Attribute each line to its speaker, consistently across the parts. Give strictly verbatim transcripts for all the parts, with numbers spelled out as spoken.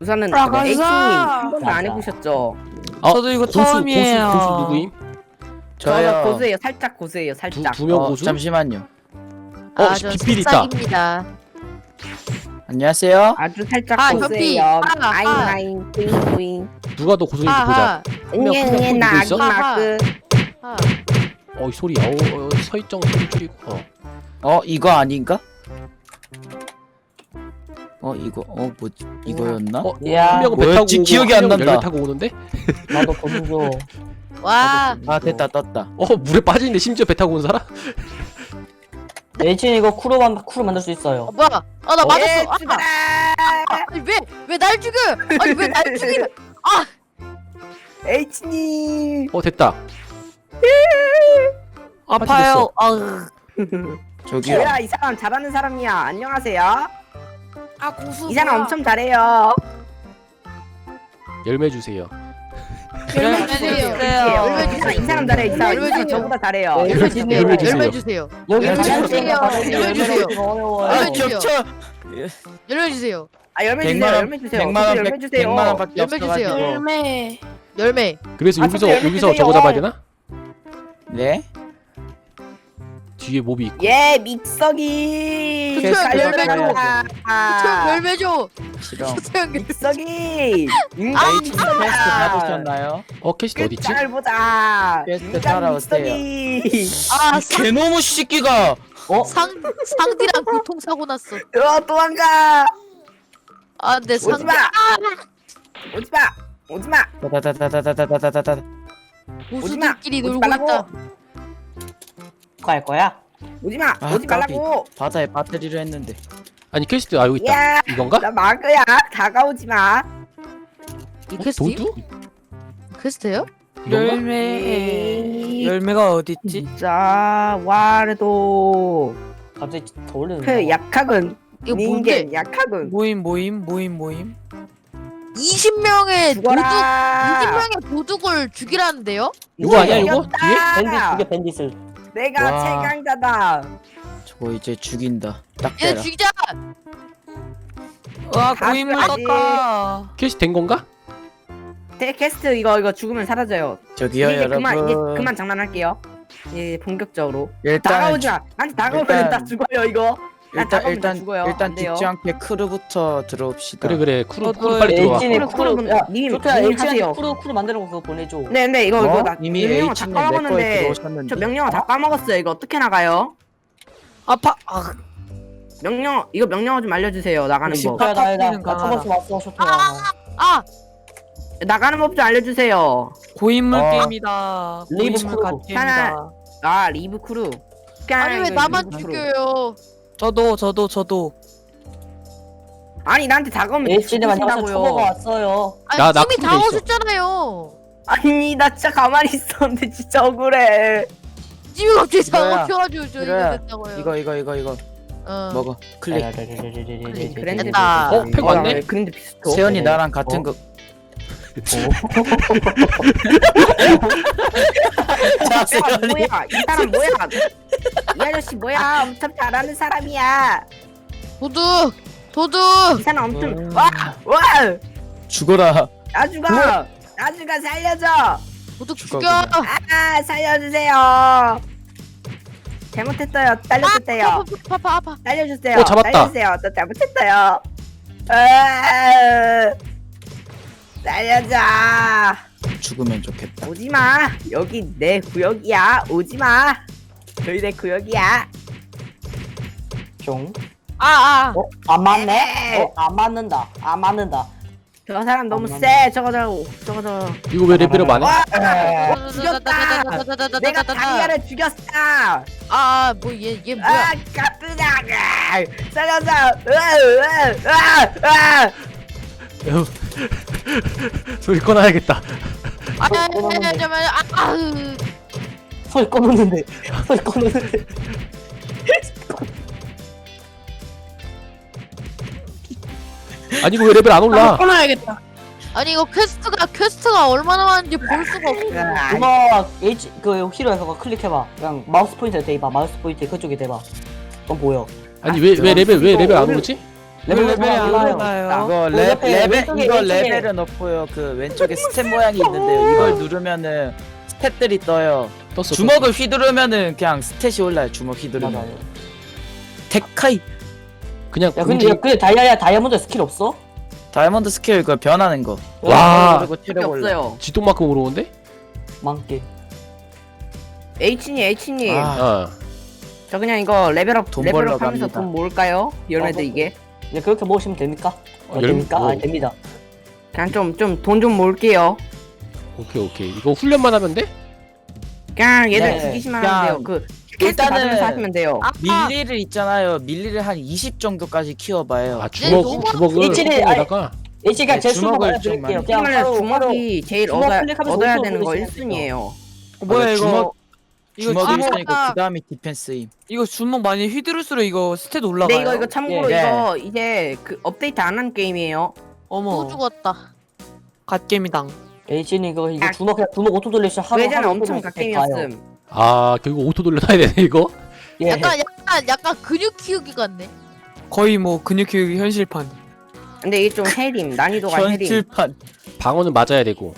Speaker 1: 우선은
Speaker 2: 나가자.
Speaker 1: H님 한 번도 안 해보셨죠?
Speaker 3: 어,
Speaker 2: 저도 이거
Speaker 3: 고수,
Speaker 2: 처음이에요.
Speaker 3: 고수, 고수 누구임?
Speaker 1: 저
Speaker 4: 저요.
Speaker 1: 고수예요. 살짝 고수예요. 살짝.
Speaker 3: 두 명
Speaker 4: 어,
Speaker 3: 고수?
Speaker 4: 잠시만요.
Speaker 3: 어,
Speaker 5: 아, 저
Speaker 3: 비필 있다.
Speaker 5: 새싹입니다.
Speaker 4: 안녕하세요.
Speaker 1: 아주 살짝
Speaker 5: 아,
Speaker 1: 고수예요.
Speaker 5: 현피. 아,
Speaker 1: 아잉
Speaker 5: 아.
Speaker 1: 아잉 뿌잉 뿌잉.
Speaker 3: 누가 더 고수인지 보자.
Speaker 5: 하하.
Speaker 3: 명,
Speaker 1: 응애
Speaker 3: 한명
Speaker 1: 응애
Speaker 3: 누구
Speaker 1: 나 아기
Speaker 3: 있어?
Speaker 1: 마크.
Speaker 5: 하.
Speaker 3: 어, 이 소리. 어, 어, 서있정 소리 줄이고. 어.
Speaker 4: 어 이거 아닌가? 어 이거 어 뭐지 이거였나?
Speaker 3: 어,
Speaker 2: 야,
Speaker 3: 한 명은 배 타고
Speaker 4: 뭐였지?
Speaker 3: 오고
Speaker 4: 기억이
Speaker 3: 한
Speaker 4: 안
Speaker 3: 명은
Speaker 4: 난다.
Speaker 3: 열매 타고 오는데?
Speaker 2: 나도 보여줘.
Speaker 5: 와.
Speaker 4: 아 됐다 떴다.
Speaker 3: 어, 물에 빠지는데 심지어 배 타고 온 사람?
Speaker 2: 내친 이거 쿠로 만 쿠로 만들 수 있어요.
Speaker 5: 어, 뭐야? 아, 나
Speaker 3: 어?
Speaker 5: 맞았어.
Speaker 1: 예,
Speaker 5: 아,
Speaker 1: 죽어라.
Speaker 5: 아니, 왜, 왜 날 죽여? 아니, 왜 날 죽여?
Speaker 1: H님.
Speaker 3: 어, 됐다.
Speaker 2: 아파요. 아,
Speaker 4: 저기요.
Speaker 1: 뭐야 이 사람 잘하는 사람이야. 안녕하세요.
Speaker 5: 아, 고수.
Speaker 1: 이 사람 엄청 잘해요.
Speaker 3: 열매 주세요.
Speaker 5: 열매 주세요. 열매
Speaker 1: 이
Speaker 5: 주세요.
Speaker 1: 사람 이 사람 잘해. 이 사람 이
Speaker 5: 열매
Speaker 1: 사람
Speaker 5: 주세요.
Speaker 1: 저보다 잘해요.
Speaker 5: 열매 주세요.
Speaker 3: 열매 주세요.
Speaker 5: 열매 주세요.
Speaker 2: 여기
Speaker 5: 열매
Speaker 2: 가장
Speaker 5: 주세요.
Speaker 2: 생각하는
Speaker 5: 열매 주세요.
Speaker 2: 어려워요.
Speaker 4: 아
Speaker 5: 열매 주세요.
Speaker 4: 겹쳐.
Speaker 5: 열매 주세요.
Speaker 1: 아 열매
Speaker 4: 백만
Speaker 1: 주세요.
Speaker 4: 원,
Speaker 1: 열매 주세요.
Speaker 4: 백만 원,
Speaker 1: 열매
Speaker 4: 백-
Speaker 1: 주세요.
Speaker 4: 백만 원밖에
Speaker 5: 열매 주세요.
Speaker 4: 없어가지고.
Speaker 2: 열매.
Speaker 5: 열매.
Speaker 3: 그래서
Speaker 1: 아,
Speaker 3: 여기서,
Speaker 1: 진짜 열매
Speaker 3: 여기서
Speaker 1: 주세요.
Speaker 3: 저거 잡아야 되나?
Speaker 4: 네?
Speaker 3: 뒤에 몹이 있고.
Speaker 1: 예 믹서기.
Speaker 5: 그쵸, 열매 줘.
Speaker 1: 아,
Speaker 5: 열매 줘.
Speaker 4: 싫어.
Speaker 5: 소영
Speaker 1: 믹서기. 인간
Speaker 4: 아, H
Speaker 1: 믹서기야.
Speaker 4: 테스트 받으셨나요?
Speaker 3: 어, 캐시트 어딨지?
Speaker 1: 잘 보자.
Speaker 4: 테스트
Speaker 1: 인간
Speaker 4: 따라오세요.
Speaker 1: 믹서기.
Speaker 5: 아, 상,
Speaker 4: 개놈의 새끼가.
Speaker 2: 어?
Speaker 5: 상, 상디랑 교통사고 났어.
Speaker 1: 어 도망가.
Speaker 5: 아, 내 상.
Speaker 1: 오지마. 오지마. 오지마.
Speaker 4: 다다다다다다다다다.
Speaker 5: 고수들끼리
Speaker 1: 오지
Speaker 5: 놀고
Speaker 1: 말라고.
Speaker 5: 있다.
Speaker 2: 갈 거야?
Speaker 1: 오지마.
Speaker 4: 아,
Speaker 1: 오지 말라고.
Speaker 4: 바다에 배터리를 했는데.
Speaker 3: 아니, 캐시트, 아, 여기 있다.
Speaker 1: 야.
Speaker 3: 이건가?
Speaker 1: 나 마그야. 다가오지 마.
Speaker 5: 이
Speaker 3: 어,
Speaker 5: 퀘스트?
Speaker 3: 도두?
Speaker 5: 퀘스트예요?
Speaker 3: 이건가?
Speaker 2: 열매. 열매가 어디 있지?
Speaker 1: 진짜 와르도
Speaker 2: 갑자기 더 올리는
Speaker 1: 그 약학은
Speaker 5: 이거 뭔데?
Speaker 1: 닌겐 약학은
Speaker 2: 모임 모임 모임 모임.
Speaker 5: 이십 명의 도둑
Speaker 1: 죽어라.
Speaker 5: 이십 명의 도둑을 죽이라는데요?
Speaker 3: 이거 아니야, 이거?
Speaker 1: 이겼다.
Speaker 3: 뒤에?
Speaker 2: 밴디 죽여 밴디슬.
Speaker 1: 내가
Speaker 4: 와.
Speaker 1: 최강자다.
Speaker 4: 저거 이제 죽인다. 딱
Speaker 5: 얘
Speaker 4: 대라.
Speaker 5: 죽이자.
Speaker 2: 와
Speaker 1: 다
Speaker 2: 고인물
Speaker 1: 써야지.
Speaker 2: 떴다.
Speaker 3: 캐시트 된 건가?
Speaker 1: 테캐스트 이거 이거 죽으면 사라져요.
Speaker 4: 저기요
Speaker 1: 이제
Speaker 4: 여러분.
Speaker 1: 그만 이제 그만 장난할게요. 예 본격적으로
Speaker 4: 일단
Speaker 1: 다가오지 마. 나한테 다가오면
Speaker 4: 일단-
Speaker 1: 나 죽어요 이거. 나
Speaker 4: 일단
Speaker 1: 다가오면 나
Speaker 4: 일단
Speaker 1: 죽어요.
Speaker 4: 일단
Speaker 1: 안 돼요.
Speaker 4: 죽지 않게 크루부터 들어옵시다.
Speaker 3: 그래, 그래. 쿠루,
Speaker 2: 저도
Speaker 3: 쿠루 빨리 들어와.
Speaker 2: H님
Speaker 1: 쿠루, 쿠루,
Speaker 2: 쿠루. 야,
Speaker 1: 님이-
Speaker 2: 좋다.
Speaker 1: 님이
Speaker 2: H님
Speaker 1: 하세요.
Speaker 2: 쿠루 쿠루 만들고 그거 보내줘.
Speaker 1: 네, 네 이거 이거
Speaker 4: 어?
Speaker 1: 나
Speaker 4: 이미
Speaker 1: 명령어 다
Speaker 4: H님 내 거에
Speaker 1: 까먹었는데
Speaker 4: 들어오셨는데.
Speaker 1: 저 명령어 다 까먹었어요. 이거 어떻게 나가요?
Speaker 2: 아파. 아,
Speaker 1: 명령 이거 명령어 좀 알려주세요. 나가는 법.
Speaker 2: 쇼토야 나나 나 나 저번주 왔어 쇼토야.
Speaker 5: 아,
Speaker 1: 나가는 법 좀 알려주세요.
Speaker 2: 고인물
Speaker 4: 어.
Speaker 2: 게임이다.
Speaker 1: 리브
Speaker 2: 고인물
Speaker 1: 크루.
Speaker 2: 갓게임이다.
Speaker 1: 아 리브 크루.
Speaker 5: 아니 왜
Speaker 1: 이거
Speaker 5: 나만
Speaker 1: 리브 크루.
Speaker 5: 죽여요?
Speaker 2: 저도 저도 저도.
Speaker 1: 아니 나한테 다가오면
Speaker 2: H님 안녕하세요. 초보가
Speaker 1: 죽으신다고요.
Speaker 2: 왔어요.
Speaker 5: 아니
Speaker 3: 나- 나
Speaker 5: 이미
Speaker 3: 쿨돼
Speaker 5: 다
Speaker 3: 있어.
Speaker 5: 오셨잖아요.
Speaker 1: 아니 나 진짜 가만히 있었는데 진짜 억울해.
Speaker 5: 지금 갑자기
Speaker 4: 이거야.
Speaker 5: 사고 켜가지고 저 이거
Speaker 4: 이거야.
Speaker 5: 됐다고요.
Speaker 4: 이거 이거 이거 이거
Speaker 5: 어.
Speaker 4: 먹어. 클릭.
Speaker 1: 그랜드
Speaker 5: 됐다.
Speaker 3: 어, 팩 왔네?
Speaker 1: 그랜드 비슷해.
Speaker 4: 세연이 나랑 같은
Speaker 2: 어?
Speaker 4: 거. 자
Speaker 1: 아,
Speaker 4: 세연이.
Speaker 1: 뭐야? 이 사람 뭐야? 이 아저씨 뭐야? 엄청 잘하는 사람이야.
Speaker 5: 도둑 도둑.
Speaker 1: 이 사람 엄청
Speaker 4: 음.
Speaker 1: 와! 와!
Speaker 4: 죽어라.
Speaker 1: 나주가! 나주가 살려줘!
Speaker 5: 도둑
Speaker 4: 죽어,
Speaker 5: 죽여.
Speaker 4: 그냥.
Speaker 1: 아 살려주세요. 잘못했어요. 딸려줬대요.
Speaker 5: 아파 아파 아파.
Speaker 1: 살려주세요.
Speaker 3: 어, 잡았다.
Speaker 1: 살려주세요. 저 잘못했어요. 아, 살려줘.
Speaker 4: 죽으면 좋겠다.
Speaker 1: 오지마. 여기 내 구역이야. 오지마. 여기 내 구역이야.
Speaker 2: 종.
Speaker 5: 아 아.
Speaker 2: 어? 안 맞네?
Speaker 1: 네.
Speaker 2: 어? 안 맞는다. 안 맞는다.
Speaker 1: 저 사람 너무
Speaker 2: 어,
Speaker 1: 세. 저거 저거 저거 저거.
Speaker 3: 이거 왜 레벨업 안 해?
Speaker 1: 와!
Speaker 2: 에.
Speaker 1: 죽였다. 내가 다리아를 죽였어.
Speaker 5: 아뭐얘얘 뭐야?
Speaker 1: 아, 까쁘다. 살려줘. 으아, 으아, 으아.
Speaker 3: 에휴. 소리 꺼놔야겠다.
Speaker 5: 아야 잠깐만. 아.
Speaker 2: 소리 꺼놓는데. 소리 꺼놓는데.
Speaker 3: 아니, 이거 왜 레벨 안 올라?
Speaker 2: 꺼놔야겠다.
Speaker 5: 아니 이거 퀘스트가 퀘스트가 얼마나 많은지 볼 수가 없어.
Speaker 2: 그거 H 그 히로에서 그거 클릭해봐. 그냥 마우스 포인트에 대봐. 마우스 포인트 그쪽에 대봐. 그럼 보여.
Speaker 3: 아니, 왜, 왜 레벨, 왜 레벨 안 오르지?
Speaker 2: 레벨
Speaker 6: 레벨이 안
Speaker 2: 올라요.
Speaker 6: 올라요.
Speaker 4: 이거
Speaker 2: 어,
Speaker 4: 레,
Speaker 2: 옆에
Speaker 4: 레벨
Speaker 2: 왼쪽에,
Speaker 4: 이거
Speaker 2: 왼쪽에.
Speaker 4: 레벨은 없고요. 그 왼쪽에 스탯 모양이 있는데요. 이걸 누르면은 스탯들이 떠요.
Speaker 3: 떴어.
Speaker 4: 주먹을 휘두르면은 그냥 스탯이 올라요. 주먹 휘두르면.
Speaker 2: 맞아요.
Speaker 4: 데카이
Speaker 3: 그냥
Speaker 2: 야
Speaker 3: 공지.
Speaker 2: 근데 야, 근데 다이아야 다이아몬드 스킬 없어?
Speaker 4: 다이아몬드 스킬 이거 변하는 거.
Speaker 3: 와.
Speaker 4: 그리고
Speaker 1: 필요
Speaker 4: 체력 올라.
Speaker 1: 없어요.
Speaker 3: 지동만큼 오르는데?
Speaker 2: 많게.
Speaker 1: H님 H님
Speaker 4: 아,
Speaker 3: 아.
Speaker 1: 저 그냥 이거 레벨업
Speaker 4: 돈 벌러
Speaker 1: 레벨업 하면서
Speaker 4: 갑니다.
Speaker 1: 돈 모을까요? 열매들
Speaker 2: 어,
Speaker 1: 이게
Speaker 2: 야 그렇게 모으시면 됩니까? 어,
Speaker 3: 어, 열-
Speaker 2: 됩니까?
Speaker 3: 뭐.
Speaker 2: 아 됩니다.
Speaker 1: 그냥 좀 좀 돈 좀 모을게요.
Speaker 3: 오케이 오케이. 이거 훈련만 하면 돼?
Speaker 1: 그냥 얘들
Speaker 2: 네,
Speaker 1: 죽이시면
Speaker 4: 그냥
Speaker 1: 하면 돼요. 그 퀘스트
Speaker 4: 일단은-
Speaker 1: 받으면서 하시면 돼요.
Speaker 4: 밀리를 있잖아요. 밀리를 한 이십 정도까지 키워봐요.
Speaker 3: 아 주먹
Speaker 5: 너무
Speaker 3: 주먹을
Speaker 2: 일진이-
Speaker 3: 호에다가
Speaker 2: 일찍 그냥
Speaker 4: 네,
Speaker 2: 제 수목
Speaker 4: 주먹을
Speaker 2: 알려드릴게요.
Speaker 4: 좀
Speaker 2: 그냥
Speaker 1: 원래
Speaker 2: 바로 바로
Speaker 1: 주먹이 제일
Speaker 2: 주먹
Speaker 1: 얻어야,
Speaker 2: 클릭하면서
Speaker 1: 얻어야
Speaker 2: 오른쪽으로
Speaker 1: 되는 거
Speaker 2: 보시면
Speaker 1: 일 순위예요.
Speaker 6: 어, 뭐야
Speaker 4: 아,
Speaker 6: 이거
Speaker 4: 주먹-
Speaker 6: 이거
Speaker 4: 주먹이
Speaker 6: 주먹
Speaker 4: 있으니까 그 다음이 디펜스임.
Speaker 6: 이거 주먹 많이 휘두를수록 이거 스탯 올라가요.
Speaker 1: 근데 이거 이거 참고로
Speaker 4: 예.
Speaker 1: 이거 이제 그 업데이트 안 한 게임이에요.
Speaker 5: 또
Speaker 6: 어머
Speaker 5: 죽었다.
Speaker 6: 갓게임이당.
Speaker 2: 에이진이 이거 이거
Speaker 1: 아.
Speaker 2: 주먹 그냥 주먹 오토 돌리시 하루
Speaker 1: 예전에
Speaker 2: 하루
Speaker 1: 엄청
Speaker 2: 돌리시
Speaker 1: 갓게임이었음.
Speaker 3: 아 결국 오토 돌려놔야 되네 이거.
Speaker 2: 예.
Speaker 5: 약간 약간 약간 근육 키우기 같네.
Speaker 6: 거의 뭐 근육 키우기 현실판.
Speaker 1: 근데 이게 좀 해림 난이도가 해림.
Speaker 4: 현실판.
Speaker 3: 방어는 맞아야 되고.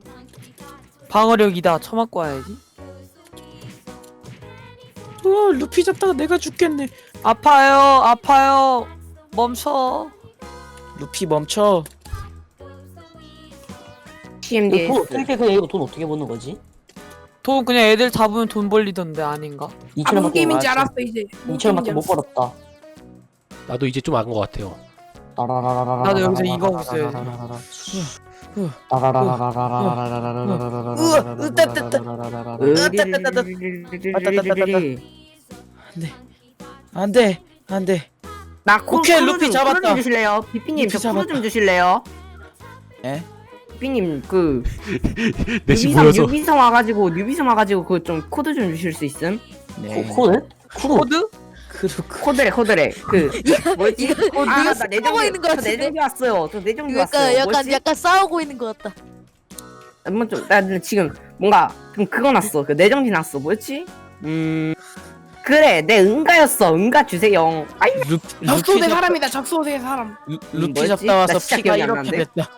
Speaker 6: 방어력이다. 처맞고 와야지.
Speaker 4: 어, 루피 잡다가 내가 죽겠네.
Speaker 6: 아파요, 아파요. 멈춰.
Speaker 4: 루피 멈춰.
Speaker 1: 티엠디에스.
Speaker 2: 이거 돈 어떻게 그냥 이거 돈 어떻게 버는 거지?
Speaker 6: 돈 그냥 애들 잡으면 돈 벌리던데 아닌가?
Speaker 2: 이천 원밖에 못
Speaker 4: 맞아.
Speaker 7: 알았어 이제.
Speaker 2: 이천 원밖에 못 벌었다.
Speaker 3: 나도 이제 좀 안 것 같아요.
Speaker 6: 나도 여기서 이거 하고 있어요.
Speaker 4: 안돼 안돼.
Speaker 1: 나 코,
Speaker 4: 오케이,
Speaker 1: 코로
Speaker 4: 루피
Speaker 1: 좀,
Speaker 4: 잡았다.
Speaker 1: 코로 좀 주실래요? 비피님
Speaker 4: 루피
Speaker 1: 저 코로
Speaker 4: 잡았다.
Speaker 1: 좀 주실래요?
Speaker 4: 에?
Speaker 1: 비피님 그
Speaker 3: 넷이
Speaker 1: 뉴비섬
Speaker 3: 모여서.
Speaker 1: 뉴비섬 와가지고 뉴비섬 와가지고 그 좀 코드 좀 주실 수 있음?
Speaker 4: 네.
Speaker 2: 코네? 쿠
Speaker 6: 코드?
Speaker 4: 그렇고.
Speaker 1: 코드래 코드래 그 뭐지?
Speaker 5: 이거 이거
Speaker 1: 아나
Speaker 5: 싸우고
Speaker 1: 내정기
Speaker 5: 있는 거
Speaker 1: 저
Speaker 5: 같은데.
Speaker 1: 내정기 왔어요. 저 내정기
Speaker 5: 그러니까
Speaker 1: 왔어요.
Speaker 5: 약간
Speaker 1: 뭐지?
Speaker 5: 약간 싸우고 있는 것 같다.
Speaker 1: 한번 좀나 지금 뭔가 좀 그거 났어. 그 내정지 났어. 뭐였지? 음 그래 내 응가였어. 응가 주세요. 아이
Speaker 4: 루,
Speaker 7: 적소대
Speaker 4: 루피 잡-
Speaker 7: 사람이다. 적소대 사람.
Speaker 4: 루,
Speaker 1: 음,
Speaker 4: 루피
Speaker 1: 뭐였지?
Speaker 4: 잡다 와서
Speaker 1: 나 진짜
Speaker 4: 피가
Speaker 1: 기억이 안
Speaker 4: 이렇게
Speaker 1: 나는데?
Speaker 4: 됐다.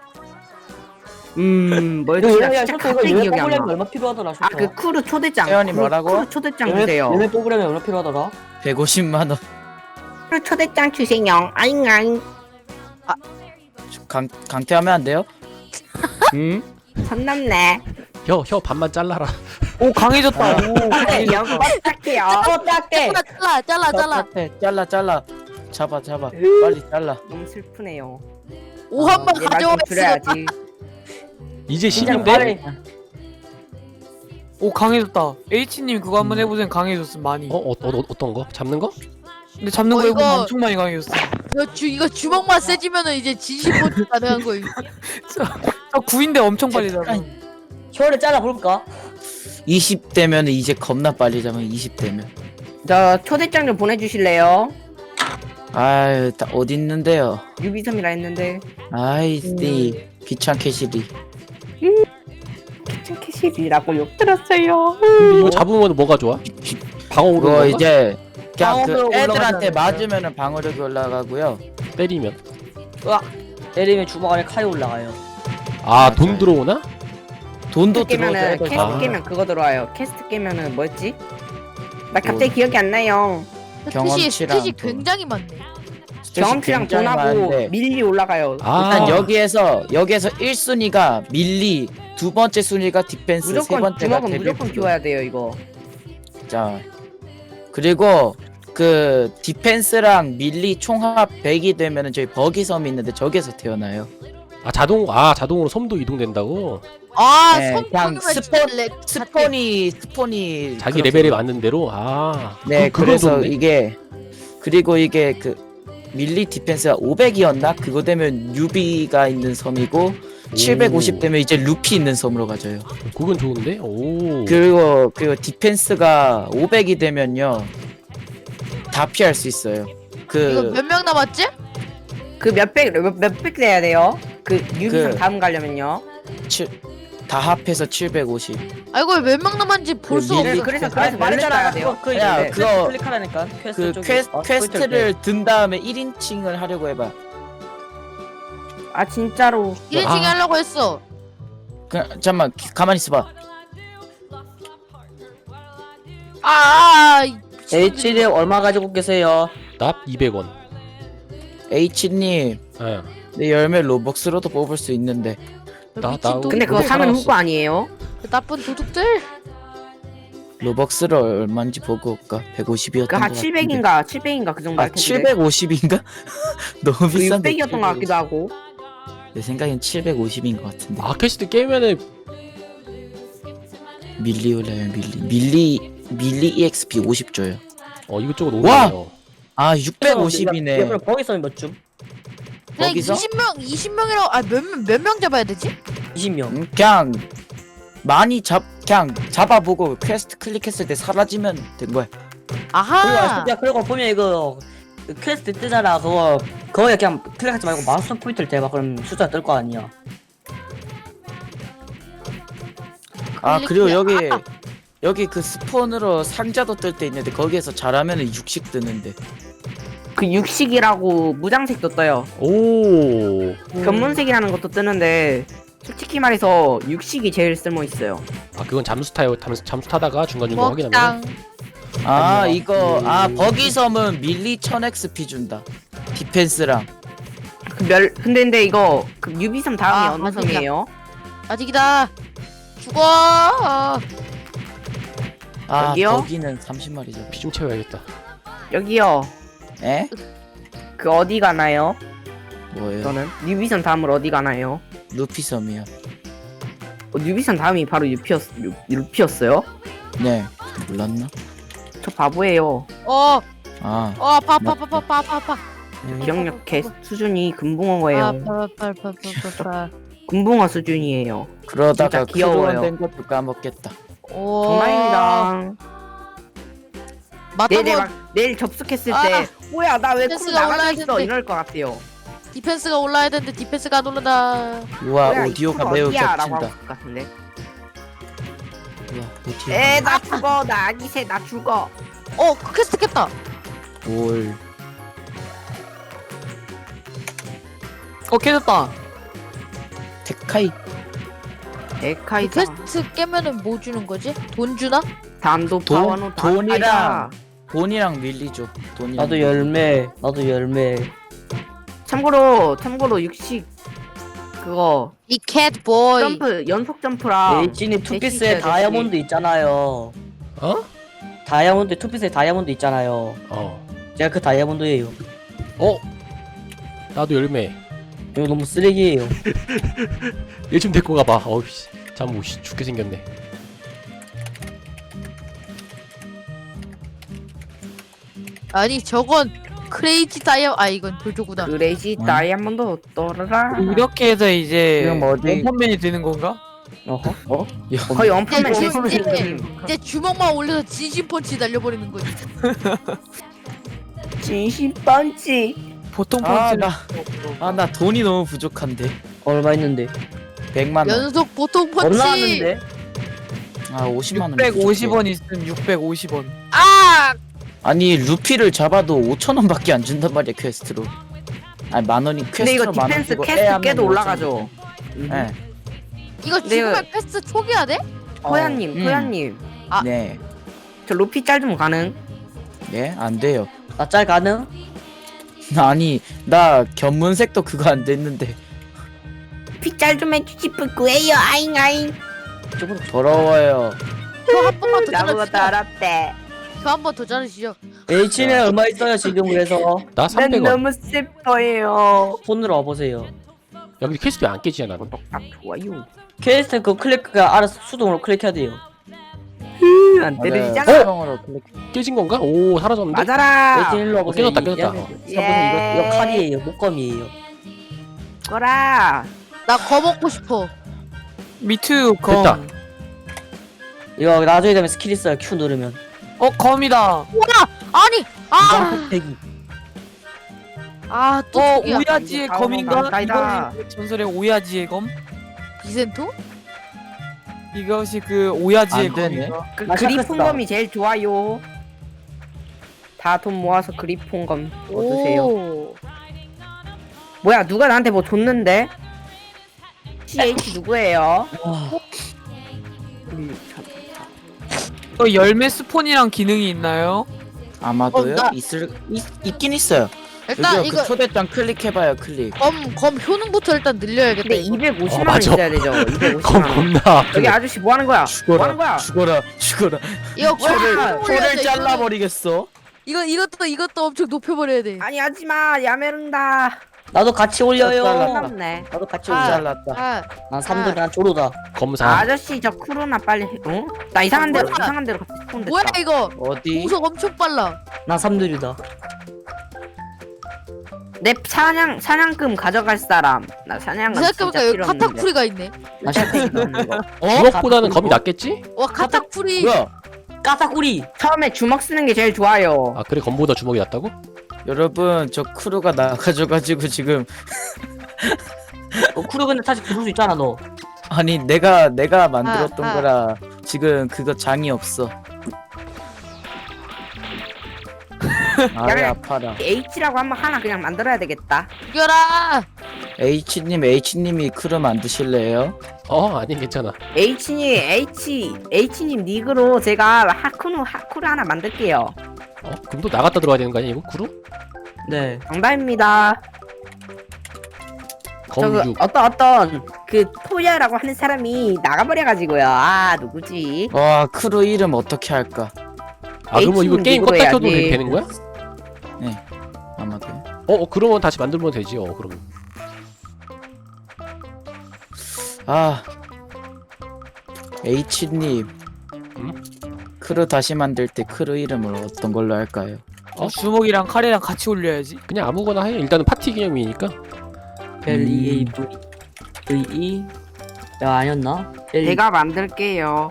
Speaker 1: 음 뭐였지?
Speaker 2: 이거
Speaker 1: 나
Speaker 2: 얘네
Speaker 1: 진짜
Speaker 2: 셔츠
Speaker 1: 갑자기
Speaker 2: 이거
Speaker 1: 기억이
Speaker 2: 열매
Speaker 1: 안
Speaker 2: 뽑으려면
Speaker 1: 나.
Speaker 2: 얼마 필요하더라?
Speaker 1: 아 그 쿠르 초대장.
Speaker 4: 태연이
Speaker 1: 쿠르-
Speaker 4: 뭐라고?
Speaker 1: 쿠르 초대장
Speaker 2: 열매
Speaker 1: 주세요.
Speaker 2: 열매 뽑으려면 얼마 필요하더라?
Speaker 4: 백오십만 원.
Speaker 1: 쿠르 초대장 주세요. 아잉아잉.
Speaker 4: 강 강퇴하면 안 돼요?
Speaker 1: 음? 선 넘네.
Speaker 3: 혀 혀 반만 잘라라.
Speaker 6: 오 강해졌다. 오
Speaker 1: 그래
Speaker 6: 강해졌다.
Speaker 1: 연락 할게요.
Speaker 2: 어 딱대.
Speaker 5: 잘라 잘라 잘라 잘라.
Speaker 4: 똑같아. 잘라 잘라. 잡아 잡아. 빨리 잘라.
Speaker 1: 너무 슬프네요.
Speaker 5: 오 한 번
Speaker 1: 얘말
Speaker 5: 가져와
Speaker 1: 좀 줄여야지.
Speaker 3: 이제
Speaker 2: 진짜
Speaker 3: 신인데.
Speaker 2: 빠르.
Speaker 6: 오 강해졌다. H님 그거 한번 해보세요. 강해졌음 많이.
Speaker 3: 어, 어, 어 어떤 거? 잡는 거?
Speaker 6: 근데 잡는
Speaker 5: 어,
Speaker 6: 거 해보면
Speaker 5: 이거-
Speaker 6: 엄청 많이 강해졌어.
Speaker 5: 이거 주 이거 주먹만 세지면은 이제 진심 포트 가능한 거임.
Speaker 6: 저 구인데 엄청 빨리 잡아.
Speaker 2: 혀를 잘라 볼까?
Speaker 4: 이십 대면 이제 겁나 빨리 잡아. 이십 대면.
Speaker 1: 저 초대장 좀 보내주실래요?
Speaker 4: 아유, 다 어디 있는데요?
Speaker 1: 유비섬이라 했는데
Speaker 4: 아이씨, 귀찮게 시리.
Speaker 1: 키친캐실이라고 욕 들었어요.
Speaker 3: 근데 이거 잡으면 뭐가 좋아? 방어 오르는
Speaker 4: 그거
Speaker 3: 건가?
Speaker 4: 이제 그냥 그
Speaker 2: 방어력
Speaker 4: 애들한테
Speaker 2: 올라가지 않을까요?
Speaker 4: 맞으면은 방어력이 올라가고요.
Speaker 3: 때리면.
Speaker 2: 때리면 주먹 안에 칼이 올라가요.
Speaker 3: 아 돈 들어오나?
Speaker 4: 돈도
Speaker 1: 캐스트 깨면은
Speaker 4: 들어오죠.
Speaker 1: 캐스트
Speaker 3: 아.
Speaker 1: 깨면 그거 들어와요. 캐스트 깨면은 뭐였지? 나 갑자기 기억이 안 나요.
Speaker 5: 스탯이
Speaker 4: 경험치랑
Speaker 5: 스탯이
Speaker 4: 돈.
Speaker 5: 굉장히 많네.
Speaker 1: 경험치랑
Speaker 4: 굉장히
Speaker 1: 돈하고
Speaker 4: 많은데
Speaker 1: 밀리 올라가요.
Speaker 3: 아
Speaker 4: 일단 여기에서 여기에서 일 순위가 밀리, 두 번째 순위가 디펜스, 세
Speaker 1: 무조건
Speaker 4: 번째가
Speaker 1: 주먹은
Speaker 4: 데뷔.
Speaker 1: 무조건 키워야 돼요 이거.
Speaker 4: 자, 그리고 그 디펜스랑 밀리 총합 백이 되면은 저희 버기섬이 있는데 저기서 태어나요.
Speaker 3: 아 자동 아 자동으로 섬도 이동된다고?
Speaker 5: 아
Speaker 4: 네,
Speaker 5: 손
Speaker 4: 그냥
Speaker 5: 끊으면
Speaker 4: 스폰-
Speaker 5: 진짜 렉
Speaker 4: 스폰이 스폰이
Speaker 3: 자기
Speaker 4: 그렇게
Speaker 3: 레벨에 맞는 대로. 아
Speaker 4: 네,
Speaker 3: 그, 그건
Speaker 4: 그래서
Speaker 3: 좋네.
Speaker 4: 이게 그리고 이게 그 밀리 디펜스가 오백이었나? 그거 되면 유비가 있는 섬이고 칠백오십 되면 이제 루피 있는 섬으로 가져요.
Speaker 3: 그건 좋은데? 오.
Speaker 4: 그리고 그리고 디펜스가 오백이 되면요 다 피할 수 있어요.
Speaker 5: 이거
Speaker 4: 그
Speaker 5: 몇 명 남았지?
Speaker 1: 그 몇백 몇, 몇백 돼야 돼요. 그 유비섬
Speaker 4: 그-
Speaker 1: 다음 가려면요.
Speaker 4: 칠, 다 합해서 칠백오십.
Speaker 5: 아 이걸 몇 명 남았는지 볼 수
Speaker 4: 밀리-
Speaker 5: 없어.
Speaker 1: 그래서
Speaker 2: 아
Speaker 1: 그래서
Speaker 2: 말했잖아.
Speaker 1: 말해야 돼요.
Speaker 2: 그거 그
Speaker 4: 야,
Speaker 2: 이제
Speaker 4: 그거-
Speaker 2: 클릭하라니까. 퀘스트
Speaker 4: 그
Speaker 2: 쪽에.
Speaker 4: 퀘스,
Speaker 2: 어,
Speaker 4: 퀘스트를 든 다음에 일 인칭을 하려고 해봐.
Speaker 1: 아 진짜로.
Speaker 5: 일 인칭
Speaker 3: 아.
Speaker 5: 하려고 했어.
Speaker 4: 그, 잠깐만 기- 가만히 있어봐.
Speaker 5: 아, 아 이 미친놈들이.
Speaker 2: 에이치디 얼마 가지고 계세요?
Speaker 3: 납 이백 원.
Speaker 4: H님
Speaker 3: 예.
Speaker 4: 내 열매 로벅스로도 뽑을 수 있는데
Speaker 3: 나-
Speaker 5: 미친
Speaker 3: 나-
Speaker 5: 놈.
Speaker 1: 근데 그거
Speaker 3: 그거
Speaker 1: 사면
Speaker 3: 살아났어.
Speaker 1: 후보 아니에요?
Speaker 5: 그 나쁜 도둑들.
Speaker 4: 로벅스를 얼마인지 보고 올까? 백오십이었던
Speaker 1: 그 한 칠백인가 칠백인가 그 정도
Speaker 4: 아
Speaker 1: 할 텐데.
Speaker 4: 칠백오십인가? 너무
Speaker 1: 그
Speaker 4: 비싼데.
Speaker 1: 육백이었던 것 같기도 하고.
Speaker 4: 내 생각엔 칠백오십인 것 같은데.
Speaker 3: 아 퀘스트 깨면은
Speaker 4: 밀리 올려요 밀리. 밀리 밀리 이엑스피 오십 줘요.
Speaker 3: 어 이것저것
Speaker 4: 와!
Speaker 3: 오네요.
Speaker 4: 아 육백오십이네.
Speaker 2: 그럼 거기서 몇 줌?
Speaker 5: 그냥
Speaker 4: 거기서?
Speaker 5: 이십 명 이십 명이라고 아몇몇 명 잡아야 되지?
Speaker 2: 이십 명.
Speaker 4: 음, 그냥 많이 잡 그냥 잡아보고 퀘스트 클릭했을 때 사라지면 된 거야.
Speaker 2: 그리고
Speaker 5: 아하.
Speaker 2: 야 그리고 보면 이거 그 퀘스트 뜨잖아. 그거 거기에 그냥 클릭하지 말고 마우스 포인트를 대봐. 그럼 숫자 뜰 거 아니야.
Speaker 4: 아 그리고
Speaker 5: 클릭해.
Speaker 4: 여기 여기 그 스폰으로 상자도 뜰 때 있는데 거기에서 잘하면은 육식 뜨는데.
Speaker 1: 그 육식이라고 무장색도 떠요.
Speaker 3: 오.
Speaker 1: 견문색이라는 것도 뜨는데 솔직히 말해서 육식이 제일 쓸모 있어요.
Speaker 3: 아 그건 잠수 타요. 잠수, 잠수 타다가 중간 중간 확인하면.
Speaker 5: 먹당.
Speaker 4: 아
Speaker 2: 아니요.
Speaker 4: 이거 아 버기섬은 밀리 천 엑스피 준다. 디펜스랑.
Speaker 1: 그 멸 근데 근데 이거 그 유비섬 다음이
Speaker 5: 아,
Speaker 1: 어느
Speaker 5: 맞습니다.
Speaker 1: 섬이에요?
Speaker 5: 아직이다. 죽어. 아,
Speaker 4: 아
Speaker 1: 여기요?
Speaker 4: 버기는 삼십 마리죠.
Speaker 3: 피 좀 채워야겠다.
Speaker 1: 여기요.
Speaker 4: 에?
Speaker 1: 그 어디 가나요?
Speaker 4: 뭐예요?
Speaker 1: 저는 유비섬 다음으로 어디 가나요?
Speaker 4: 루피섬이요.
Speaker 1: 어, 유비섬 다음이 바로 유피였 유, 유피였어요?
Speaker 4: 네. 몰랐나?
Speaker 1: 저 바보예요.
Speaker 5: 어,
Speaker 4: 아
Speaker 5: 어, 아파, 아파, 아파, 아파, 아파, 아파.
Speaker 1: 기억력 개 수준이 금붕어예요.
Speaker 5: 아파, 아파, 아파, 아파, 아파.
Speaker 1: 금붕어 수준이에요.
Speaker 4: 그러다가
Speaker 1: 진짜 귀여워요.
Speaker 4: 크루원 된 것도 까먹겠다.
Speaker 5: 오.
Speaker 1: 정말입니다.
Speaker 5: 맞다,
Speaker 1: 내일
Speaker 5: 뭐
Speaker 1: 막 내일 접속했을
Speaker 5: 아,
Speaker 1: 때 뭐야 나 왜 크루
Speaker 5: 댄스가
Speaker 1: 나가져
Speaker 5: 올라야
Speaker 1: 있어
Speaker 5: 되는데.
Speaker 1: 이럴 것 같아요.
Speaker 5: 디펜스가 올라야 되는데 디펜스가 안 올라다.
Speaker 4: 우와
Speaker 1: 뭐야, 이
Speaker 4: 오디오가
Speaker 1: 크루
Speaker 4: 매우
Speaker 1: 어디야? 라고
Speaker 4: 겹친다.
Speaker 1: 할것 같은데.
Speaker 4: 우와 오디오.
Speaker 1: 에 나 죽어 나 아기새 나 죽어.
Speaker 5: 어, 그 퀘스트 깼다.
Speaker 4: 올.
Speaker 6: 어 깨졌다.
Speaker 4: 테카이.
Speaker 1: 에카이다.
Speaker 5: 퀘스트 깨면은 뭐 주는 거지? 돈 주나?
Speaker 1: 단도
Speaker 4: 돈-
Speaker 1: 파워노
Speaker 4: 돈이랑 돈이랑 밀리죠. 돈이랑.
Speaker 2: 나도 열매. 나도 열매.
Speaker 1: 참고로 참고로 육식 그거
Speaker 5: 이 캣보이.
Speaker 1: 점프 연속 점프랑
Speaker 2: 에이치님 투피스에
Speaker 1: 대신이에요,
Speaker 2: 다이아몬드 있잖아요.
Speaker 3: 어?
Speaker 2: 다이아몬드 투피스에 다이아몬드 있잖아요.
Speaker 3: 어.
Speaker 2: 제가 그 다이아몬드예요.
Speaker 3: 어? 나도 열매.
Speaker 2: 이거 너무 쓰레기예요.
Speaker 3: 얘 좀 데리고 가봐. 어우씨. 잠 오씨 죽게 생겼네.
Speaker 5: 아니 저건 크레이지 다이아. 아 이건 돌조구나.
Speaker 1: 그레이지
Speaker 4: 응.
Speaker 1: 다이아몬드 떠라라.
Speaker 6: 이렇게 해서 이제
Speaker 4: 그럼 어디-
Speaker 6: 원펀맨이 되는 건가?
Speaker 2: 어허.
Speaker 4: 어?
Speaker 1: 거의 원펀맨
Speaker 5: 이제,
Speaker 1: 실수를
Speaker 5: 이제,
Speaker 1: 했거든.
Speaker 5: 이제 주먹만 올려서 진심 펀치 날려버리는 거지.
Speaker 1: 진심 펀치.
Speaker 6: 보통
Speaker 4: 아,
Speaker 6: 펀치는
Speaker 4: 나- 아 나 돈이 너무 부족한데.
Speaker 2: 얼마 있는데?
Speaker 4: 백만 원.
Speaker 5: 연속 보통
Speaker 2: 얼마
Speaker 5: 펀치.
Speaker 2: 나왔는데?
Speaker 4: 아 오십만 원.
Speaker 6: 육백오십 원 있으면 육백오십 원.
Speaker 5: 아,
Speaker 4: 아니 루피를 잡아도 오천 원밖에 안 준단 말이야 퀘스트로. 아니 만 원이 퀘스트로
Speaker 1: 근데 이거
Speaker 4: 만 원
Speaker 1: 디펜스
Speaker 4: 주고
Speaker 1: 캐스트
Speaker 4: 애하면
Speaker 1: 깨도
Speaker 4: 오천
Speaker 1: 올라가죠.
Speaker 4: 원. 네.
Speaker 5: 이거
Speaker 1: 네.
Speaker 5: 죽으면 퀘스트 초기화 돼?
Speaker 1: 토야님
Speaker 4: 음.
Speaker 1: 토야님
Speaker 5: 아.
Speaker 4: 네.
Speaker 1: 저 루피 짤 좀 가능?
Speaker 4: 네, 안 돼요.
Speaker 2: 나 짤 가능?
Speaker 4: 아니, 나 견문색도 그거 안 됐는데.
Speaker 1: 피 짤 좀 해주지 뿌꾸예요 아잉 아잉.
Speaker 2: 저보다
Speaker 4: 더러워요.
Speaker 5: 저 한 번만 더
Speaker 1: 나보고
Speaker 5: 자르시죠.
Speaker 1: 더럽대.
Speaker 5: 저 한 번 더 자르시죠.
Speaker 2: H는 얼마 있어요 지금 그래서
Speaker 3: 나
Speaker 1: 난
Speaker 3: 삼백 원.
Speaker 1: 너무 슬퍼요.
Speaker 2: 폰으로 와보세요.
Speaker 3: 야 근데 퀘스트 왜 안 깨지냐 나는.
Speaker 1: 딱 좋아요.
Speaker 2: 퀘스트 그 클릭가 알아서 수동으로 클릭해야 돼요.
Speaker 1: 으, 안 때려지잖아.
Speaker 4: 수동으로 클릭.
Speaker 3: 깨진 건가? 오 사라졌는데?
Speaker 1: 맞아라.
Speaker 2: H 일로 와보세요.
Speaker 3: 깨졌다,
Speaker 2: 이-
Speaker 3: 깨졌다.
Speaker 2: 이- 이- 보세요. 이거, 이거 칼이에요. 목검이에요.
Speaker 1: 거라.
Speaker 5: 나 거 먹고 싶어.
Speaker 6: 미투 검.
Speaker 3: 됐다.
Speaker 2: 이거 나중에 되면 스킬 있어요. Q 누르면.
Speaker 6: 어 검이다.
Speaker 5: 아니, 아,
Speaker 2: 흑백이.
Speaker 5: 아, 또
Speaker 6: 어
Speaker 5: 초기화.
Speaker 6: 오야지의
Speaker 1: 이거
Speaker 6: 검인가?
Speaker 1: 다음은
Speaker 6: 이건 전설의 오야지의 검.
Speaker 5: 비센토?
Speaker 6: 이것이 그 오야지의
Speaker 4: 안 되네.
Speaker 6: 검인가?
Speaker 1: 그
Speaker 2: 나
Speaker 1: 그리폰검이 제일 좋아요. 다 돈 모아서 그리폰검 얻으세요.
Speaker 5: 오.
Speaker 1: 뭐야 누가 나한테 뭐 줬는데? 씨에이치 누구예요? 음, 참.
Speaker 6: 또 열매 스폰이랑 기능이 있나요?
Speaker 4: 아마도요?
Speaker 5: 어, 나-
Speaker 4: 있을 있, 있긴 있어요.
Speaker 5: 일단
Speaker 4: 여기요,
Speaker 5: 이거
Speaker 4: 그 초대장 클릭해봐요 클릭.
Speaker 5: 검, 검 효능부터 일단 늘려야겠다.
Speaker 1: 근데
Speaker 5: 이거.
Speaker 1: 이백오십만
Speaker 3: 어,
Speaker 1: 원
Speaker 3: 맞아.
Speaker 1: 있어야 되죠. 이백오십만
Speaker 3: 검
Speaker 1: 원.
Speaker 3: 겁나
Speaker 1: 여기
Speaker 3: 아프네.
Speaker 1: 아저씨 뭐 하는 거야? 뭐 하는 거야?
Speaker 4: 죽어라 죽어라.
Speaker 5: 이거
Speaker 1: 뭐야?
Speaker 5: 효능
Speaker 4: 코를
Speaker 5: 올려야지,
Speaker 4: 잘라버리겠어.
Speaker 5: 이거 이것도 이것도 엄청 높여버려야 돼.
Speaker 1: 아니 하지마 야메른다.
Speaker 2: 나도 같이 올려요.
Speaker 4: 잘랐다.
Speaker 1: 끝났네.
Speaker 2: 나도 같이
Speaker 5: 아.
Speaker 2: 올려.
Speaker 4: 잘랐다.
Speaker 5: 아,
Speaker 2: 난 삼돌이 난 조로다.
Speaker 3: 검사.
Speaker 1: 아저씨 저 쿠로나 빨리 해. 어? 나 이상한 데로
Speaker 5: 뭐야?
Speaker 1: 이상한 데로 갔다 스폰 됐다.
Speaker 5: 뭐야 이거?
Speaker 4: 어디?
Speaker 5: 공속 엄청 빨라.
Speaker 2: 난 삼돌이다.
Speaker 1: 내 사냥 사냥금 가져갈 사람. 나 사냥금 진짜
Speaker 5: 생각해보니까 여기
Speaker 1: 필요 없는데.
Speaker 5: 카타쿠리가 있네.
Speaker 2: 나 샤크이다.
Speaker 4: 어?
Speaker 3: 주먹보다는 검이 낫겠지?
Speaker 5: 와 카타쿠리.
Speaker 4: 뭐야?
Speaker 2: 까사꾸리.
Speaker 1: 처음에 주먹 쓰는 게 제일 좋아요.
Speaker 3: 아 그래 검보다 주먹이 낫다고?
Speaker 4: 여러분 저 크루가 나가져가지고 지금
Speaker 2: 어, 쿠르 근데 다시 부를 수 있잖아 너.
Speaker 4: 아니 내가 내가 만들었던
Speaker 5: 아, 아.
Speaker 4: 거라 지금 그거 장이 없어. 아이
Speaker 1: 야,
Speaker 4: 아파라.
Speaker 1: H라고 한번 하나 그냥 만들어야 되겠다.
Speaker 5: 죽여라.
Speaker 4: H님 H님이 크루 만드실래요?
Speaker 3: 어 아니 괜찮아.
Speaker 1: H님 H H님 닉으로 제가 하쿠누 하쿠를 하나 만들게요.
Speaker 3: 어 그럼 또 나갔다 들어와야 되는 거 아니야 이거 구루?
Speaker 2: 네.
Speaker 1: 정답입니다. 저그
Speaker 3: 검육.
Speaker 1: 어떤 어떤 그 토야라고 하는 사람이 나가버려가지고요. 아 누구지?
Speaker 4: 와 크루 이름 어떻게 할까?
Speaker 3: 아 그러면 이거
Speaker 1: H는
Speaker 3: 게임
Speaker 1: 닉으로
Speaker 3: 껐다 켜도
Speaker 1: 해야지.
Speaker 3: 되는 거야?
Speaker 4: 아마도.
Speaker 3: 어, 어 그러면 다시 만들면 되지. 어 그럼.
Speaker 4: 아 H님
Speaker 3: 응?
Speaker 4: 크루 다시 만들 때 크루 이름을 어떤 걸로 할까요?
Speaker 3: 어?
Speaker 6: 주먹이랑 칼이랑 같이 올려야지.
Speaker 3: 그냥 아무거나 해. 일단은 파티 기념이니까.
Speaker 2: L E A V V E. 야 아니었나? L
Speaker 1: 제가 만들게요.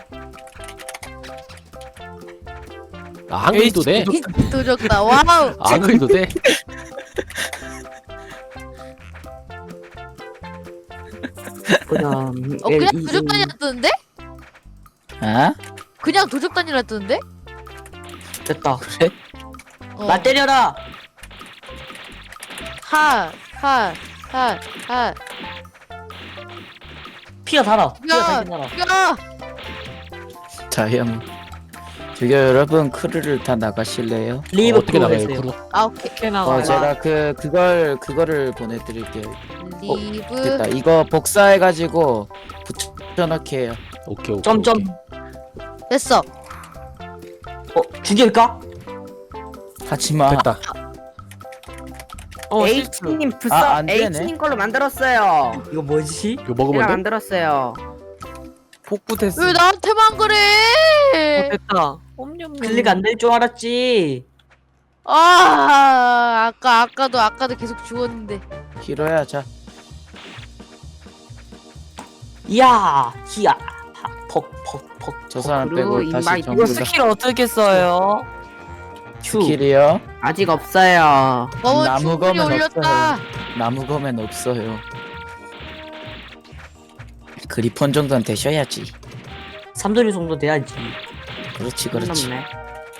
Speaker 3: 아 한글도 돼.
Speaker 5: 도적다. 와우.
Speaker 3: 아, 한글도 돼.
Speaker 2: 그냥
Speaker 5: 어
Speaker 2: L
Speaker 5: 그냥
Speaker 2: E A.
Speaker 5: 도적단이라 뜨는데?
Speaker 4: 아?
Speaker 5: 그냥 도적단이라 뜨는데?
Speaker 2: 됐다.
Speaker 4: 그래?
Speaker 5: 어.
Speaker 2: 나 때려라.
Speaker 5: 하, 하, 하, 하.
Speaker 2: 피가 살아. 피가
Speaker 5: 야,
Speaker 2: 살긴 살아.
Speaker 5: 야.
Speaker 4: 자영. 저기 여러분 크루를 다 나가실래요?
Speaker 2: 리브
Speaker 3: 어, 어떻게 나가요
Speaker 2: 했어요.
Speaker 3: 구루?
Speaker 5: 아 오케이.
Speaker 6: 이렇게
Speaker 4: 어
Speaker 6: 나가야
Speaker 4: 제가 그 그걸 그거를 보내드릴게요.
Speaker 5: 리브.
Speaker 4: 됐다. 이거 복사해가지고 붙여넣기 해요.
Speaker 3: 오케이 오케이.
Speaker 2: 점점.
Speaker 3: 오케이.
Speaker 5: 됐어.
Speaker 2: 어 죽일까?
Speaker 4: 하지마.
Speaker 3: 됐다.
Speaker 6: 어 실수.
Speaker 1: H님 부서
Speaker 4: 아, 안 되네.
Speaker 1: H님 걸로 만들었어요.
Speaker 2: 이거 뭐지?
Speaker 3: 이거 먹으면
Speaker 1: 제가
Speaker 3: 돼?
Speaker 1: 만들었어요.
Speaker 6: 복구 됐어.
Speaker 5: 왜 나한테만 그래?
Speaker 6: 어, 됐다. 옴뇸뇸.
Speaker 2: 클릭 안 될 줄 알았지.
Speaker 5: 아 아까 아까도 아까도 계속 죽었는데.
Speaker 4: 히로야 자.
Speaker 2: 이야, 히야, 퍽퍽퍽.
Speaker 4: 저 사람
Speaker 1: 그리고
Speaker 4: 빼고 다시
Speaker 1: 인바이트.
Speaker 4: 전부
Speaker 6: 이거
Speaker 4: 다
Speaker 6: 스킬 어떻게 써요?
Speaker 2: 큐.
Speaker 4: 스킬이요.
Speaker 1: 아직 없어요.
Speaker 5: 너무
Speaker 4: 나무
Speaker 5: 충분히
Speaker 4: 검은
Speaker 5: 올렸다.
Speaker 4: 나무 검엔 없어요. 그리폰 정도는 되셔야지.
Speaker 2: 삼돌이 정도 돼야지.
Speaker 4: 그렇지
Speaker 1: 선
Speaker 4: 그렇지.
Speaker 1: 넘네.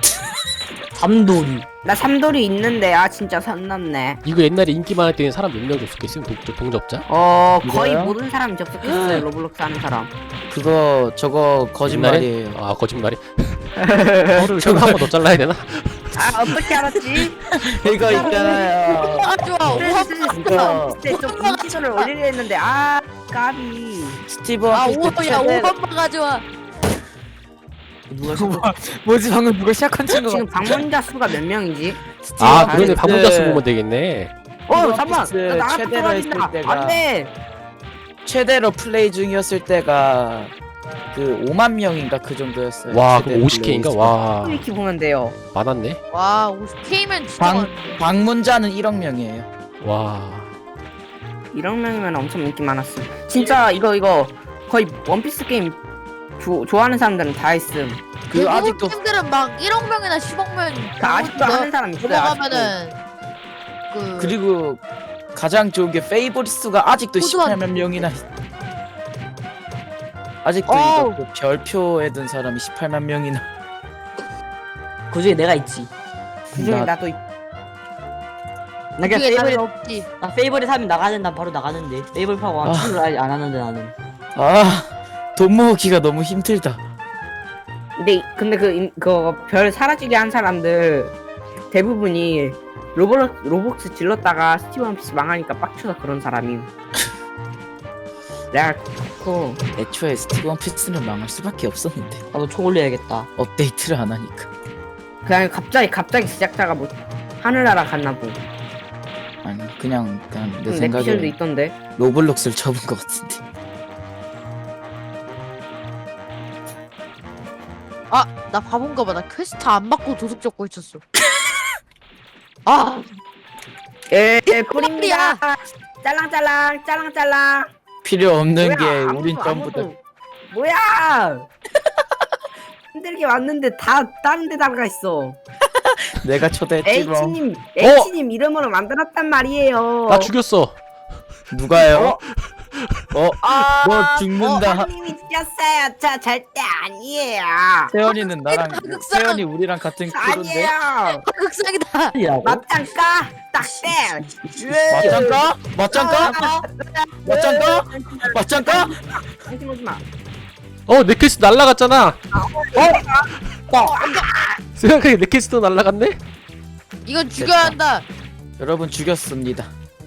Speaker 2: 삼돌이.
Speaker 1: 나 삼돌이 있는데 아 진짜 선 넘네.
Speaker 3: 이거 옛날에 인기 많을 때는 사람 몇 명 접속했음? 동, 동접자?
Speaker 1: 어 거의
Speaker 4: 이거요?
Speaker 1: 모든 사람이 접속했어요. 로블록스 하는 사람.
Speaker 4: 그거 저거 거짓말이에요.
Speaker 3: 아 거짓말이? 혀를 혀를 한번 더 잘라야 되나?
Speaker 1: 아 어떻게 알았지?
Speaker 4: 이거 있잖아요.
Speaker 5: 아 좋아. 오한
Speaker 4: 이거
Speaker 1: 그때 좀 인지도를 올리려 했는데 아 까비.
Speaker 4: 스티브
Speaker 5: 아
Speaker 4: 원피스
Speaker 5: 오야
Speaker 4: 최대
Speaker 5: 오한번 가져와.
Speaker 2: 누가 시켜?
Speaker 6: 뭐지 방금 누가 시작한 친구가?
Speaker 1: 지금 방문자 수가 몇 명이지?
Speaker 3: 아
Speaker 4: 원피스
Speaker 3: 그러네 방문자 수 보면 되겠네.
Speaker 1: 어
Speaker 4: 스티브
Speaker 1: 잠만.
Speaker 4: 원피스
Speaker 1: 나 나가서
Speaker 4: 최대로 했을
Speaker 1: 떨어진다.
Speaker 4: 때가
Speaker 1: 안돼.
Speaker 4: 최대로 플레이 중이었을 때가 그 오만 명인가 그 정도였어요.
Speaker 3: 와
Speaker 4: 최대
Speaker 3: 그럼 오십 케인가?
Speaker 4: 플레이
Speaker 3: 와
Speaker 1: 이렇게 보면 돼요.
Speaker 3: 많았네.
Speaker 5: 와 오십 케이면 진짜
Speaker 4: 방-
Speaker 5: 많은데.
Speaker 4: 방문자는 일억 명이에요.
Speaker 3: 와
Speaker 1: 이런 명이면 엄청 인기 많았음. 진짜 이거 이거 거의 원피스 게임 조, 좋아하는 사람들은 다 했음.
Speaker 4: 그
Speaker 5: 대부분
Speaker 4: 아직도
Speaker 5: 팀들은 막 일억 명이나 십억 명.
Speaker 1: 그 아직도 하는 사람 있어요.
Speaker 5: 넘어가면은 그
Speaker 4: 그리고 가장 좋은 게 페이보릿 수가 아직도
Speaker 5: 호주한-
Speaker 4: 십팔만 명이나 있- 아직도
Speaker 5: 어우.
Speaker 4: 이거 그 별표에 든 사람이 십팔만 명이나.
Speaker 2: 그 중에 내가 있지.
Speaker 1: 그중에
Speaker 4: 나-
Speaker 1: 나도 있-
Speaker 2: 나 그냥
Speaker 5: 그게 나는
Speaker 2: 페이버릿
Speaker 5: 없지.
Speaker 2: 나 페이버릿 하면 나가는 난 바로 나가는데 페이버릿 하고
Speaker 4: 아.
Speaker 2: 친구를 아직 안 하는데 나는.
Speaker 4: 아, 돈 모으기가 너무 힘들다.
Speaker 1: 근데 이- 근데 그그별 사라지게 한 사람들 대부분이 로블 로벅스 질렀다가 스티브 원피스 망하니까 빡쳐서 그런 사람이. 내가 그
Speaker 4: 애초에 스티브 원피스는 망할 수밖에 없었는데
Speaker 2: 나도 총 올려야겠다.
Speaker 4: 업데이트를 안 하니까.
Speaker 1: 그냥 갑자기 갑자기 제작자가 뭐 하늘나라 갔나 보.
Speaker 4: 아니 그냥 그냥 내
Speaker 1: 내
Speaker 4: 생각에
Speaker 1: 피셜도 있던데.
Speaker 4: 로블록스를 접은 것 같은데.
Speaker 5: 아, 나 바본가 봐. 나 퀘스트 안 받고 도둑 잡고 있었어. 아,
Speaker 1: 예, 예 뿌립니다. 짤랑짤랑 짤랑짤랑.
Speaker 4: 필요 없는
Speaker 1: 뭐야,
Speaker 4: 게
Speaker 1: 아무도,
Speaker 4: 우린 전부 다.
Speaker 1: 아무도. 뭐야? 힘들게 왔는데 다 다른 데 나가 있어.
Speaker 4: 내가 초대했지 뭐.
Speaker 1: H님 H님 이름으로 만들었단 말이에요.
Speaker 3: 나 죽였어.
Speaker 4: 누가요? 어?
Speaker 1: 아,
Speaker 4: 너 죽는다.
Speaker 1: 님이 죽였어요. 저 절대 아니에요.
Speaker 4: 세연이는 나랑
Speaker 5: 흑상.
Speaker 4: 세연이 우리랑 같은 크루인데.
Speaker 1: 아니에요.
Speaker 5: 극상이다.
Speaker 2: 이라고?
Speaker 1: 맞짱 까. 딱대.
Speaker 4: 맞짱 까? 맞짱 까? 맞짱 까? 맞짱 까?
Speaker 1: 당신 오지 마.
Speaker 3: 어, 넥캐스 날라갔잖아. 어? 생각하니 넥캐스도 날라갔네?
Speaker 5: 이건 죽여야 한다.
Speaker 4: 여러분 죽였습니다.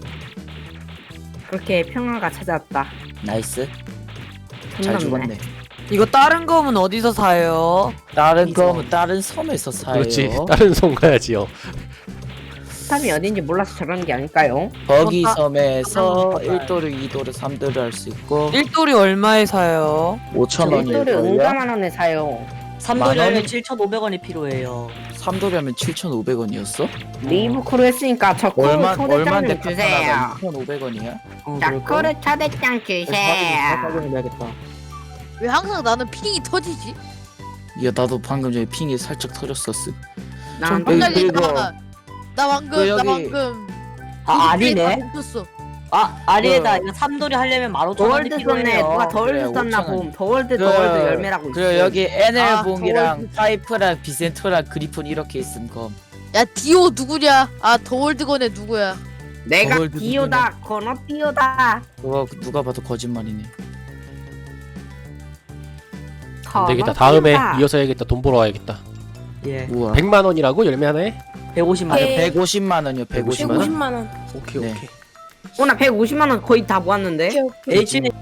Speaker 1: 그렇게 평화가 찾아왔다.
Speaker 4: 나이스. 잘
Speaker 1: 탐났네.
Speaker 4: 죽었네.
Speaker 6: 이거 다른 검은 어디서 사요?
Speaker 4: 다른 거는 다른 섬에서 사요.
Speaker 3: 그렇지. 다른 손 가야지요.
Speaker 1: 스탐이 어딘지 몰라서 저러는 게 아닐까요?
Speaker 4: 거기
Speaker 5: 어, 아,
Speaker 4: 섬에서
Speaker 1: 아,
Speaker 4: 일 도르, 이 도르, 삼 도르 할 수 있고
Speaker 6: 일돌이 얼마에 사요?
Speaker 4: 오천
Speaker 1: 일도를
Speaker 4: 원일걸요?
Speaker 1: 응가만 원에 사요.
Speaker 2: 삼도리
Speaker 4: 만
Speaker 2: 하면
Speaker 4: 원이-
Speaker 2: 칠천오백 원이 필요해요.
Speaker 4: 삼 도르 하면 칠천오백 원이었어?
Speaker 1: 리브 크루 했으니까 저 크루
Speaker 4: 얼마
Speaker 1: 초대장
Speaker 4: 얼마인데
Speaker 1: 좀 주세요.
Speaker 4: 이천오백 원이야?
Speaker 2: 어,
Speaker 1: 자
Speaker 2: 그럴까?
Speaker 1: 크루 초대장 주세요.
Speaker 2: 해야겠다.
Speaker 5: 왜 항상 나는 핑이 터지지?
Speaker 4: 야 나도 방금 전에 핑이 살짝 터졌었음.
Speaker 1: 난
Speaker 4: 여기
Speaker 5: 갑자기
Speaker 4: 그리고
Speaker 5: 나, 나 방금
Speaker 4: 그
Speaker 5: 나
Speaker 4: 여기-
Speaker 5: 방금
Speaker 2: 아 아니네.
Speaker 5: 멈췄어.
Speaker 2: 아 아니에다. 이거 삼도리 하려면 만 오천 원이
Speaker 1: 더월드 썼네.
Speaker 2: 필요해요.
Speaker 1: 누가 더월드
Speaker 4: 그래,
Speaker 1: 썼나
Speaker 4: 오천 원.
Speaker 1: 봄. 더월드
Speaker 4: 그-
Speaker 1: 더월드 열매라고 있어.
Speaker 4: 그리고 여기 에넬봉이랑
Speaker 1: 아,
Speaker 4: 파이프랑 비센토랑 그리폰 이렇게 있음 검.
Speaker 5: 야 디오 누구냐? 아 더월드건의 누구야?
Speaker 1: 내가
Speaker 4: 더월드
Speaker 1: 디오다. 건어 디오다.
Speaker 4: 그거 누가 봐도 거짓말이네.
Speaker 3: 안 되겠다. 다음에 이어서 해야겠다. 돈 벌어 와야겠다.
Speaker 2: 예.
Speaker 4: 우와.
Speaker 3: 백만 원이라고? 열매 하나에?
Speaker 2: 백오십만 원.
Speaker 1: 예.
Speaker 4: 백오십만 원이요. 백오십만 원.
Speaker 1: 백오십만 원.
Speaker 3: 오케이,
Speaker 4: 네.
Speaker 3: 오케이.
Speaker 1: 어 나 백오십만 원 거의 다 모았는데.
Speaker 2: H는